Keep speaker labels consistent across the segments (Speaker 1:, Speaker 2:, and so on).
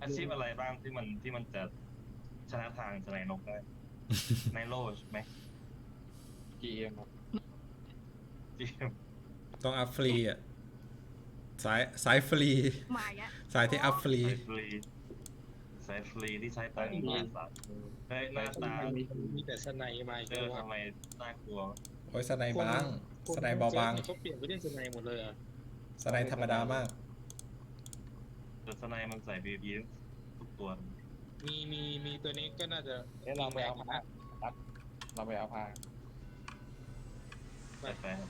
Speaker 1: อาชีพอะไรบ้างที่มันจะชนะทางสไนนกได้ไนโรใช่ไหม
Speaker 2: GM ครับ
Speaker 1: จีเอ็ม
Speaker 3: ต้องอัพฟรีอ่ะสายฟรี
Speaker 4: มาอย่างเงี้ย
Speaker 3: สายที่อัพฟรี
Speaker 1: สายฟรีสายฟรีที่ใช้ตังค์มหาศาลเฮ้ยหน้าตา
Speaker 2: มีแต่สไนมาอีก
Speaker 1: เอ
Speaker 2: แล้
Speaker 1: อ
Speaker 2: วว่า
Speaker 1: ทำไมน่ากลัว
Speaker 3: โอ้ยสไนบางสไนเบาบาง
Speaker 2: เขาเปลี่ยนไปเล่นสไนหมดเลยอ่ะ
Speaker 3: สไนธรรมดามาก
Speaker 1: แต่สไนมันใส่บีบีทุกตัว
Speaker 2: มีตัวนี้ก็น่าจะ
Speaker 5: เดี๋ยวเราไปเอาผ้าตัดเราไปเอาผ้า
Speaker 1: แต่แฟน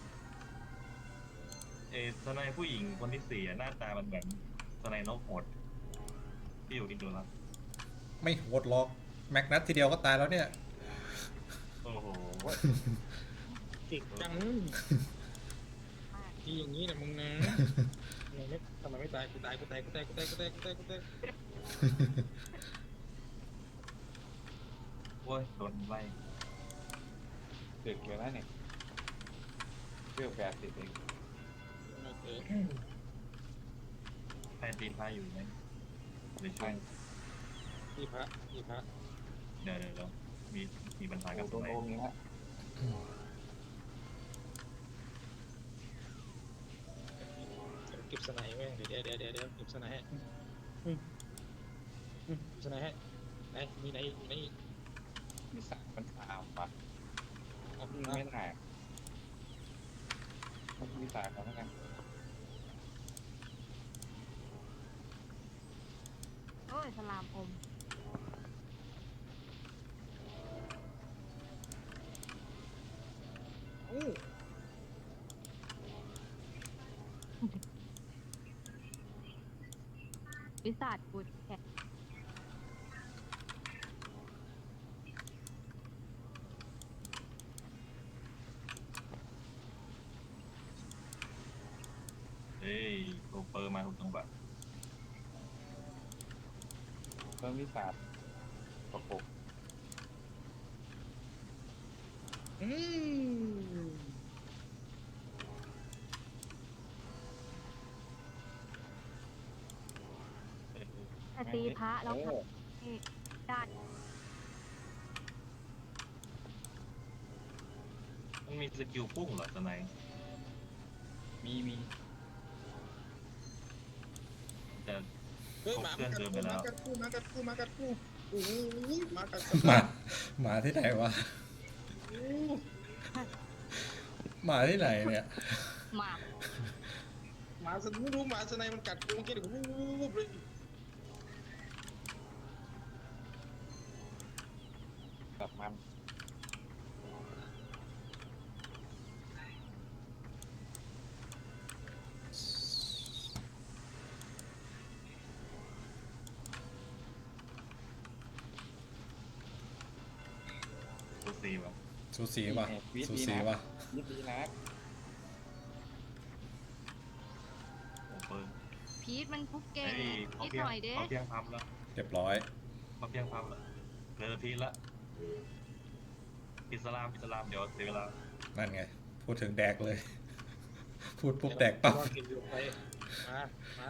Speaker 1: สไนผู้หญิงคนที่สี่หน้าตามันเหมือนสไนนกโหดที่อยู่อินโดนีเซีย
Speaker 3: ไม่โหดหรอกแม็กนัททีเดียวก็ตายแล้วเนี่ย
Speaker 1: โอ้โห
Speaker 2: เก่งจังที่อย่างนี้นะมึงนะทำไมไม่ตายกูตายกูตายกูตายกูตายกูตายกูตายกูตาย
Speaker 1: โอ้ยโดนไล่
Speaker 5: ดึกอยู่แล้วเนี่ยเรื่อง80เอง
Speaker 1: แฟนตีนพาอยู่ไหมในช่วง
Speaker 2: ที่พระ
Speaker 1: เดี๋ยวมีปัญหากับ
Speaker 5: โด
Speaker 1: ส
Speaker 5: น
Speaker 1: ไน
Speaker 5: โอมนี้ฮะ
Speaker 2: เก็บสไนแม่งเดี๋ยวเก็บสไนให้สไนให้ไหนมีไหนไหน
Speaker 5: มีสามมันสามป่ะไม่ถ่ายมีสามแล้วกัน
Speaker 4: โอ้ยสลามอมวิสัทกุดแขก
Speaker 1: เฮ้ยโรเปอร์มาถูกจังหวะ
Speaker 5: เพิ่มมีสามประกบ
Speaker 4: แต่ตีพระแล้วค่ะนี่ด้าน
Speaker 1: มันมีสกิลพุ่งเหรอสไน
Speaker 5: มี
Speaker 1: แต่
Speaker 2: เฮ้ยหมากัดกูมากัดกูโอ้โหมากัด
Speaker 3: หมาที่ไหนวะหมาที่ไหนเนี่ย
Speaker 4: หมาก
Speaker 2: หมาสนุรู้หมาสไนมันกัดกูเมื่อกี้เดี๋ยววูบเลย
Speaker 5: ตัดมัน
Speaker 1: ตัวซีวะ
Speaker 3: สูสีว่ะสูสีว่ะ
Speaker 5: ยิบดีนะ
Speaker 1: โรเปอร์
Speaker 4: พีทมันคุกเก่ง
Speaker 1: เฮ้ย
Speaker 4: นิดหน่อยเด้
Speaker 1: เขาเพียงพับแล้ว
Speaker 3: เรียบร้อย
Speaker 1: เขาเพียงพับแล้วเหลือพีละอิสลามเดี๋ยวเสียเวลา
Speaker 3: นั่นไง พูดถึงแดกเลย พูดปุ๊บแดกปั๊บ
Speaker 2: รอเก็บอยู่ไปมา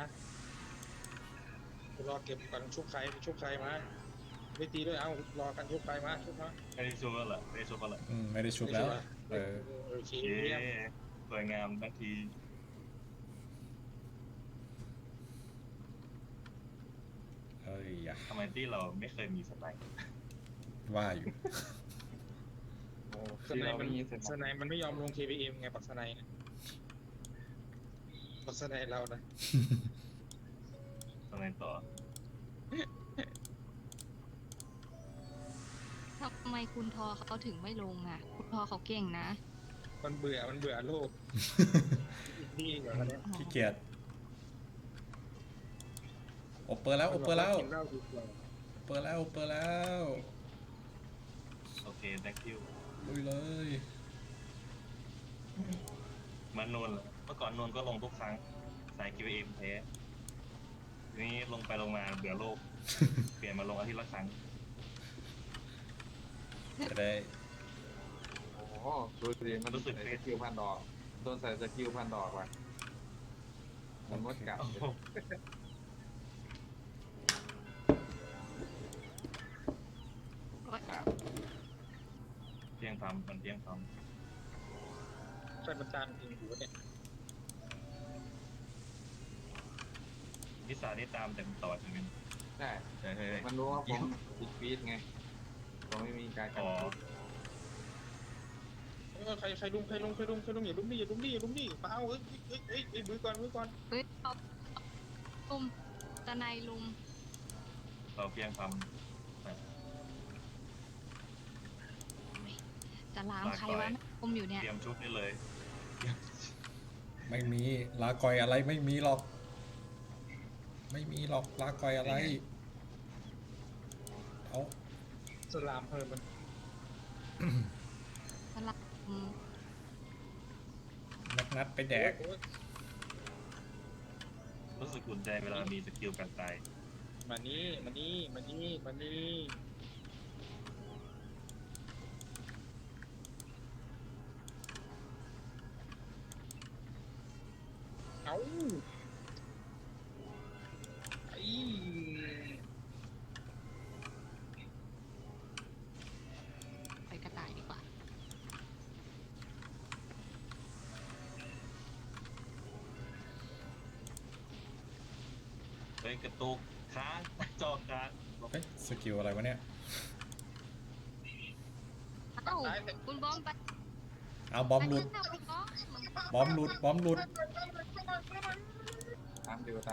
Speaker 2: คุณรอเก็บก่อนชุบใครมาไม่ตีด้วยเอารอกันชุบใครมาชุบมา
Speaker 1: ไม่ได้ชูแล้วเหรอไม่ได้ชูแล้วเหรอ
Speaker 3: ไม่ได้ชุบแล้วเออ
Speaker 2: โอเค
Speaker 1: เย้
Speaker 2: เยี่ยม
Speaker 1: สวยงามทันที
Speaker 3: เฮ้ยอย่า
Speaker 1: ทำไมที่เราไม่เคยมีสไน
Speaker 3: ว่าอยู่
Speaker 5: โอ้
Speaker 2: ส
Speaker 5: ที่
Speaker 2: ไน
Speaker 5: เรา
Speaker 2: มัน
Speaker 5: มีเสร็จ
Speaker 2: สไนมันไม่ยอมลง KPM ไงปักสไนเนี่ยปักสไนเรานะ
Speaker 1: สไนต่อ
Speaker 4: ทำไมคุณทอเขาถึงไม่ลงอ่ะ คุณทอเขาเก่งนะ
Speaker 2: มันเบื่อโลกดีกว่าคนนี้
Speaker 3: ขี้เกียจโอเปอร์แล้ว
Speaker 2: กินเหล้าดีกว่า
Speaker 3: โอเปอร์แล้ว
Speaker 1: โอเค thank you
Speaker 3: ลุยเลย
Speaker 1: มันนวลเหรอเมื่อก่อนนวลก็ลงทุกครั้งสาย QM แพ้ทีนี้ลงไปลงมาเบื่อโลก เปลี่ยนมาลงอาทิตย์ละครั้ง
Speaker 3: จะได้
Speaker 5: โอ้โหดูสิมันใส่สกิลพันดอกโดนใส่สกิลพันดอกว่ะมันมดกัด
Speaker 1: โอ้โหมันเพียงพร้ำ
Speaker 2: ใครมันตามจริงอยู่วะเนี่ย
Speaker 1: พิศาจนี่ตามแต่มันต่อใช่ไหม
Speaker 5: ใช่
Speaker 1: เฮ้ย
Speaker 5: มันรู้ว่าผมติดฟีดไงผมไม่มีการกั
Speaker 1: อ๋
Speaker 5: น
Speaker 1: อ
Speaker 2: ใครลุมอย่าลุมดิมาเอามือก่อน
Speaker 4: เฮ้ยเอาลุมตะไนลุม
Speaker 1: เราเพียงพร้
Speaker 4: จะล้างใครวะลุมอยู่
Speaker 1: ำ
Speaker 4: เนี่ย
Speaker 1: เตรียมชุดนี่เลย
Speaker 3: ไม่มีลากอยอะไรไม่มีหรอก ไม่มีหรอกลากอยอะไรเอา
Speaker 2: สลามเพิ่มมัน
Speaker 4: สลับ
Speaker 3: นัดไปแดก
Speaker 1: รู้สึกอุ่นใจเวลามีสกิลกันตาย
Speaker 2: มานี่เอาไอ้
Speaker 4: ไปกระต่ายดีกว่า
Speaker 1: เฮ้ยกระตุกค้างจอค้าง
Speaker 3: เฮ้ยสกิลอะไรวะเนี่ย
Speaker 4: เอ้าคุณบอมไป
Speaker 3: เอาบอมหลุด
Speaker 4: ไปข้างหน้าคุณบอม
Speaker 3: บอมหลุดบอมหลุด
Speaker 5: ตามดู
Speaker 2: ไป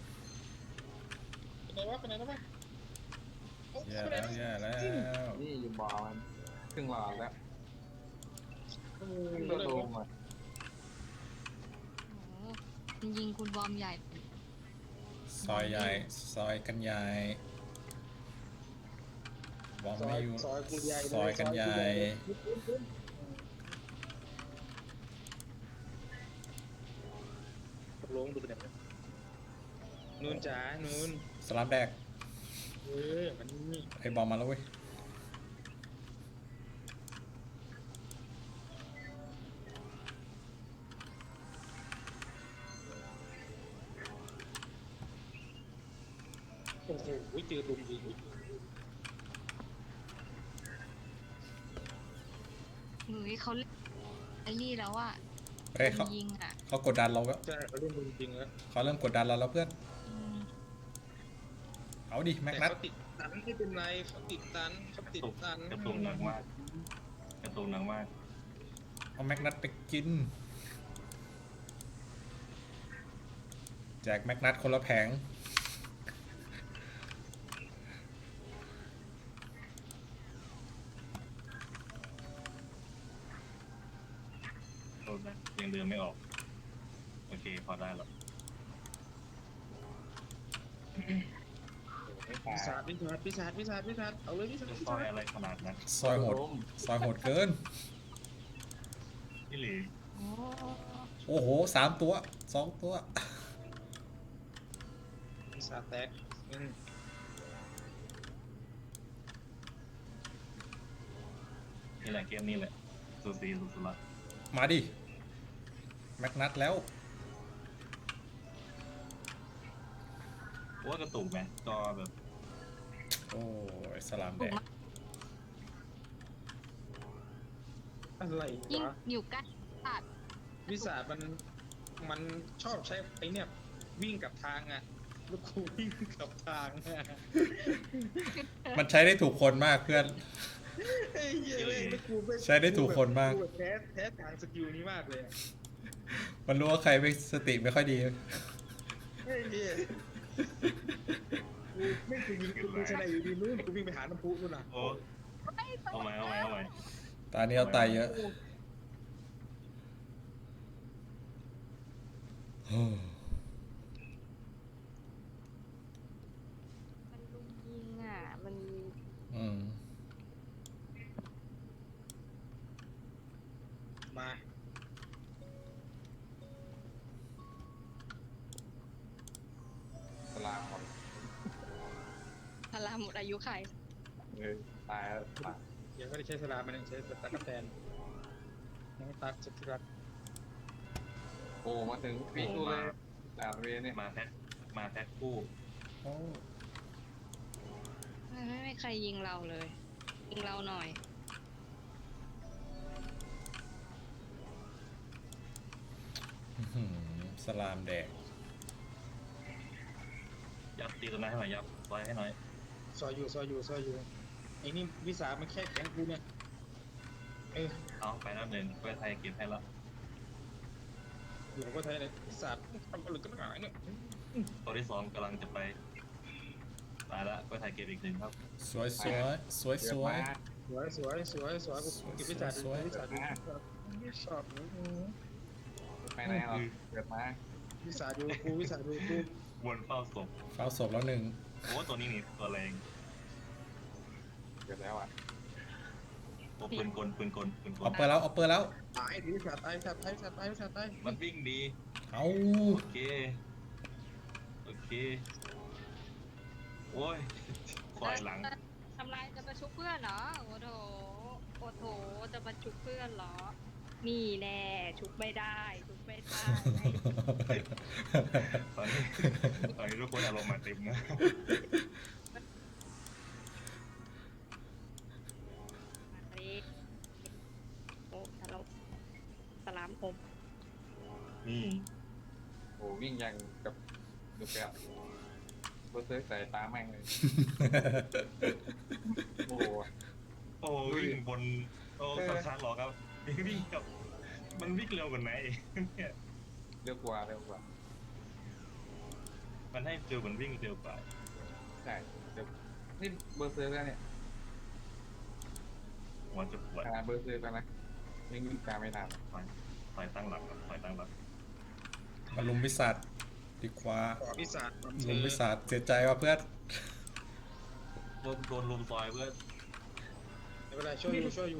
Speaker 2: ไหนแล้ววะ
Speaker 3: แย่แล้วแย่แล้ว
Speaker 5: นี่อยู่บ่อมันครึ่งหลอดแล้ว
Speaker 2: โอ้
Speaker 5: ครึ่ง
Speaker 2: โห
Speaker 5: ตัวโดมอ่ะ
Speaker 4: โอ้โหมันยิงคุณบอมใหญ่
Speaker 3: ซอยใหญ่ซอยกันใหญ่บอมไม่อยู่
Speaker 2: ซอยกูใหญ่
Speaker 3: ซอยกันใหญ่
Speaker 2: ลงดูเป็นแบบนูนจ๋านูน
Speaker 3: สลับแดก
Speaker 2: มันนี่
Speaker 3: ไอ้บอมมาแล้วเว้ย
Speaker 2: โอ้โหเจอลุมยิง
Speaker 4: หรือเขาเล่นไอ้นี่แล้วอะ
Speaker 3: เฮ้ยเขา
Speaker 4: ยิงอะ
Speaker 3: เขากดดันเราแล้ว
Speaker 2: ใช่เขาเล่นลุมจริงแล้ว
Speaker 3: เขาเริ่มกดดันเราแล้วเพื่อน
Speaker 4: อืม
Speaker 3: เอาดิแม็ก
Speaker 2: แต่
Speaker 3: นัท
Speaker 2: เขาติดตันไม่เป็นไรเขาติดตัน
Speaker 1: กระตุกหนักมากกระตุกหนักมาก
Speaker 3: เอาแม็กนัทไปกินแจกแม็กนัทคนละแผง
Speaker 1: โทษนะยังเดินไม่ออกโอเคพอได้แล้ว
Speaker 5: ไม่
Speaker 2: ปี
Speaker 5: ตาย
Speaker 2: ศาจเอาเลยปีศาจ
Speaker 1: จะซอยอะไรขนาดนั้น
Speaker 3: ซอยโหดซอยโหดเกิน
Speaker 1: พี่หลี
Speaker 4: โอ้
Speaker 3: โอ้โห3 ตัว2 ตัว
Speaker 2: ปีศาจแตก
Speaker 1: นี่แหละเกมนี้แหละสูสีสุดๆละ
Speaker 3: มาดิแม็กนัทแล้ว
Speaker 1: ว่ากระตุกไหมจอแบบ
Speaker 3: โอ้ยสลามแดก
Speaker 2: อะไร
Speaker 4: ยิง
Speaker 2: วะ
Speaker 4: อยู่ใกล้ตัด
Speaker 2: ปีศาจมันชอบใช้ไอ้เนี่ยวิ่งกับทางอ่ะลูกครูวิ่งกับทางอ่ะ
Speaker 3: มันใช้ได้ถูกคนมากเพื่อน
Speaker 2: ไอ้เหี้ยเลยลูกครูม่
Speaker 3: ใช้ได้ถูกคนมาก
Speaker 2: รูแบบแท้ทางสกิลนี้มากเลยอะ
Speaker 3: มันรู้ว่าใครไม่สติไม่ค่อยดี
Speaker 2: ไอ้เหี้ยกูไม่เคยยิงกูชนะอยู่ดีนู้นกูวิ่งไปหาน้ำพุนู่นน่ะ
Speaker 1: โอ้เอาใหม่
Speaker 3: ตานี้เอาตายเยอะ
Speaker 4: มันลุมยิงอะมัน
Speaker 3: อืม
Speaker 2: มา
Speaker 5: สลามหมด
Speaker 4: พลาหมดอายุไข
Speaker 5: ตายแล้วตาย
Speaker 2: ยังไม่ได้ใช้สลามมันยังใช้ตะกั่วแตนน้องตักสุดที่รัก
Speaker 5: โอ้มาถึงฟีดกูเลยจากเวเนี่ย
Speaker 1: มาแพ็คคู่
Speaker 3: โอ้
Speaker 4: ไม่มีใครยิงเราเลย ยิงเราหน่อย
Speaker 3: หืสลามแดง
Speaker 1: ยับตีตัวนั้นให้หน่อยยับซอยให้หน่อย
Speaker 2: ซอยอยู่ไอ้นี่วิสามันแค่แข็งกูเนี่ย
Speaker 1: เอาไปแล้วหนึ่งเพื่อไทยเก็บให้แล้ว
Speaker 2: อยู่กับไทยเลยวิสาทำอะไรกันหนาเนี่ย
Speaker 1: ตัวที่สองกำลังจะไปตายละเพื่อไทยเก็บอีกหนึ่งครับ
Speaker 3: สวยสวยสวยสวย
Speaker 2: สวยกูเก็บวิสาดูวิสาดูชอบ
Speaker 5: ไปไหนหรอเกิดมา
Speaker 2: วิสาดูกู
Speaker 1: วนเฝ้าศพ
Speaker 3: เฝ้าศพแล้วหนึ่ง
Speaker 1: โอ้ตัวนี้นี่ตัวแรง
Speaker 5: เกิดแล้วอ่ะ
Speaker 1: โอ้ปืนกล
Speaker 3: เอาเปิดแล้วเอาเปิดแล้ว
Speaker 2: ตายวิสาตายวิสาตาย
Speaker 1: มันวิ่งดี
Speaker 3: เอา
Speaker 1: โอเคโอ้ยควายหลัง
Speaker 6: ทำลายจะมาชุบเพื่อนเหรอโอ้โถจะมาชุบเพื่อนเหรอ นี่แน่ชุบไม่ได้
Speaker 1: ตอนนี้ทุกคนอารมณ์มาเต็มนะ
Speaker 6: โอ้สลามคม
Speaker 1: นี่
Speaker 5: โอ้วิ่งยังกับดูแปดเบอร์เซอร์ใส่ตาแม่งเลยโอ้
Speaker 1: โอ้วิ่งบนโอ้สังขารหรอครับวิ่งกับมันวิ่งเร็วกว่าไหนเนี่ย
Speaker 5: เร็วกว่า
Speaker 1: มันให้ฟิลมันวิ่งเร็วกว่า
Speaker 5: ใช่เร็วนี่เบอร์เซอร์แล้วเนี่ย
Speaker 1: หัวจะปวด
Speaker 5: ขนาดเบอร์เซอร์แล้วนะยังวิ่งตามไม่ทัน
Speaker 1: ถอยตั้งหลักครับถอยตั้งหลัก
Speaker 3: มาลุมวิสัทดีกว่า
Speaker 2: ต่อวิสา
Speaker 3: ลุมวิสัทเสียใจว่ะเพื่อน
Speaker 1: โดนลุมซอยเพื่อ
Speaker 2: ไม่เป็นไรช่วยอยู่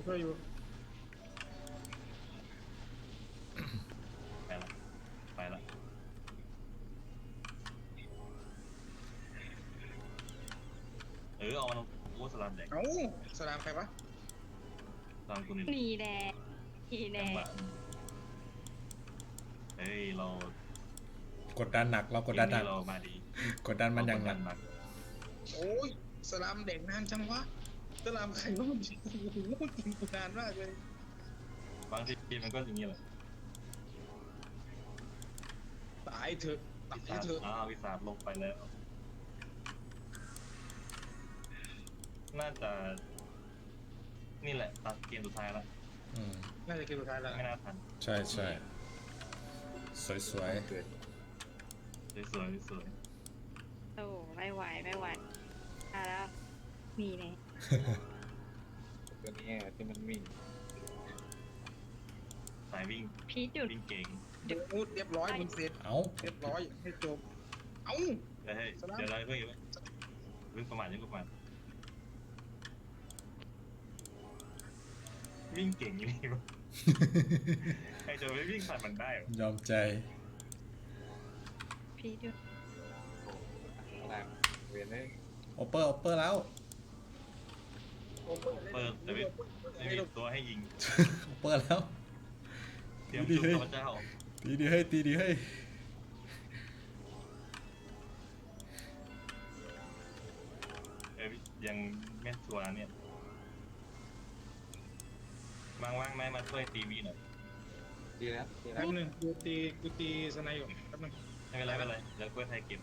Speaker 1: ไปละเอามันโอ้สลัมแดก
Speaker 2: เอ้าสลามใครวะ
Speaker 1: สลัมตัวนี้
Speaker 6: นี่แน่
Speaker 1: จังหวะเฮ้ยเรา
Speaker 3: กดดันหนักเรากดดันหนัก
Speaker 1: เรามาดี
Speaker 3: กดดันมันอย่างหนัก
Speaker 1: หนัก
Speaker 2: โอ้ยสลามเด็กนานจังวะสลามใครวะมันโอ้โหกินกูนานมากเลย
Speaker 1: บางทีมันก็อย่างนี้แหละ
Speaker 2: ตายเถอะ
Speaker 1: วิสาลงไปแล้ว น่าจะนี่แหละตัดเกมสุดท้ายแล้ว
Speaker 3: อืม
Speaker 2: น่าจะเกมสุดท้ายแล้ว
Speaker 1: ไม่น่าทัน
Speaker 3: ใช่สวย
Speaker 5: เกิด
Speaker 1: สวย
Speaker 6: โอ้ไม่ไหวแล้วนี่แน่
Speaker 5: ตัวนี้ที่มันวิ่ง
Speaker 1: สายวิ่ง
Speaker 6: พีทหยุด
Speaker 1: วิ่งเก่ง
Speaker 2: เรียบร้อยมึงเสร็จ
Speaker 3: เอา
Speaker 2: เรียบร้อยให้จบเอ้า
Speaker 1: เฮ้ยเดี๋ยวเราเพิ่งประมาทวิ่งเก่งอยู่นี่วะใครจะไปวิ่งผ่านมันได้หรอย
Speaker 3: อมใจ
Speaker 6: พีทหยุด
Speaker 5: ขนาดเวียนเลย
Speaker 3: โอเปอร์แล้ว
Speaker 1: เปิดแต่ไม่มีตัวให้ยิง
Speaker 3: โอเปอร์แล้ว
Speaker 1: เตรียมชุบข้าพเจ้า
Speaker 3: ตีดีให้
Speaker 1: ยังไม่ชัวร์เนี่ยว่างไหมมาช่วยตีวีหน่อย
Speaker 5: ดีแล้ว
Speaker 2: แป๊บนึงกูตีสไนอยู่แป๊บนึง
Speaker 1: ไม่เป็นไรเดี๋ยวกล้วยไทยเก็บ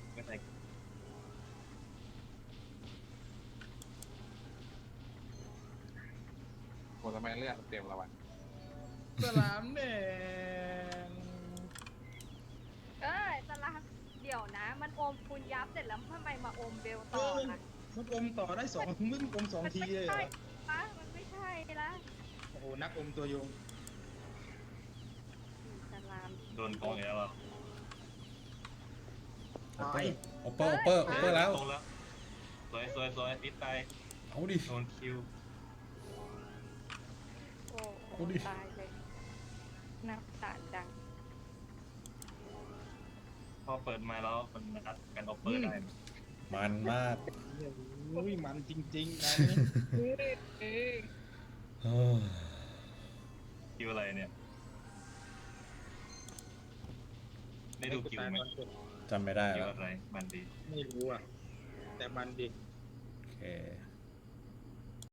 Speaker 5: โหทำไมเลือดเต็มแล้ววะ
Speaker 2: สลามแดง
Speaker 6: สลามเดี๋ยวนะ มันอมคุณยับเสร็จแล้วทำไมมาอมเบลต่อล่ะ
Speaker 2: มันอมต่อได้มึงอม2 ทีเลยเหรอ
Speaker 6: มันไม่ใช่ละ
Speaker 2: โอ้โหนักอมตัวยง
Speaker 6: สลาม
Speaker 1: โดนกองแล้วเรา
Speaker 2: ตาย
Speaker 3: โอเปอร์แล้ว
Speaker 1: ตรงแล้วสวยติดไป
Speaker 3: เอาดิ
Speaker 1: โดนคิว
Speaker 6: โอ้
Speaker 3: เอาดิ
Speaker 6: ตายเลยนับตาจัง
Speaker 1: พอเปิดมาแล้วมันอัดกันออฟเปอร์ได้
Speaker 3: มันมาก
Speaker 2: อุ้ยมันจริงๆนะ
Speaker 1: คิวอะไรเนี่ยได้ดูคิวไหม
Speaker 3: จำไม่ได้
Speaker 1: คิว
Speaker 3: แล้ว
Speaker 1: อะไรมันดี
Speaker 2: ไม่รู้อ่ะ แต่มันดิ